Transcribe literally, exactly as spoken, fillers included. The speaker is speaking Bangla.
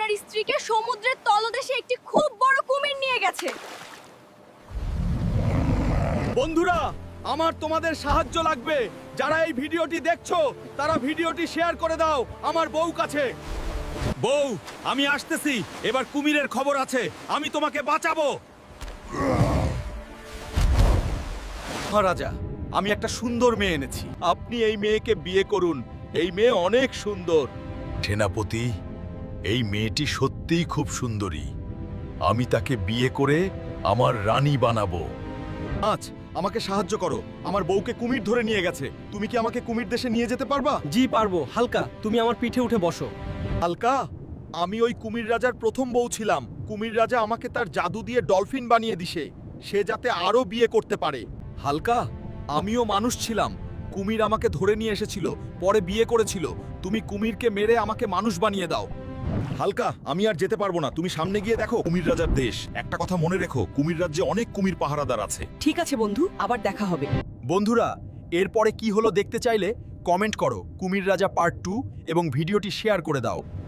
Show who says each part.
Speaker 1: আপনার স্ত্রীকে সমুদ্রের তলদেশে একটি খুব বড় কুমির নিয়ে গেছে।
Speaker 2: বন্ধুরা, আমার তোমাদের সাহায্য লাগবে। যারা এই ভিডিওটি দেখছো তারা ভিডিওটি শেয়ার করে দাও আমার বউ কাছে। বউ, আমি আসতেছি। এবার কুমিরের খবর আছে, আমি তোমাকে বাঁচাবো। মহারাজা, আমি একটা সুন্দর মেয়ে এনেছি। আপনি এই মেয়েকে বিয়ে করুন। এই মেয়ে অনেক সুন্দর।
Speaker 3: সেনাপতি, এই মেয়েটি সত্যিই খুব সুন্দরী। আমি তাকে বিয়ে করে আমার রানী বানাবো।
Speaker 2: আজ আমাকে সাহায্য করো, আমার বউকে কুমির ধরে নিয়ে গেছে। তুমি কি আমাকে কুমির দেশে নিয়ে যেতে পারবা?
Speaker 4: জি পারবো। হালকা, তুমি আমার পিঠে উঠে বসো।
Speaker 2: হালকা, আমি ওই কুমির রাজার প্রথম বউ ছিলাম। কুমির রাজা আমাকে তার জাদু দিয়ে ডলফিন বানিয়ে দিছে, সে যাতে আরো বিয়ে করতে পারে। হালকা, আমিও মানুষ ছিলাম। কুমির আমাকে ধরে নিয়ে এসেছিল, পরে বিয়ে করেছিল। তুমি কুমিরকে মেরে আমাকে মানুষ বানিয়ে দাও। হালকা, আমি আর যেতে পারবো না। তুমি সামনে গিয়ে দেখো কুমির রাজার দেশ। একটা কথা মনে রেখো, কুমির রাজ্যে অনেক কুমির পাহারাদার আছে।
Speaker 5: ঠিক আছে বন্ধু, আবার দেখা হবে।
Speaker 2: বন্ধুরা, এরপরে কি হলো দেখতে চাইলে কমেন্ট করো কুমির রাজা পার্ট টু এবং ভিডিওটি শেয়ার করে দাও।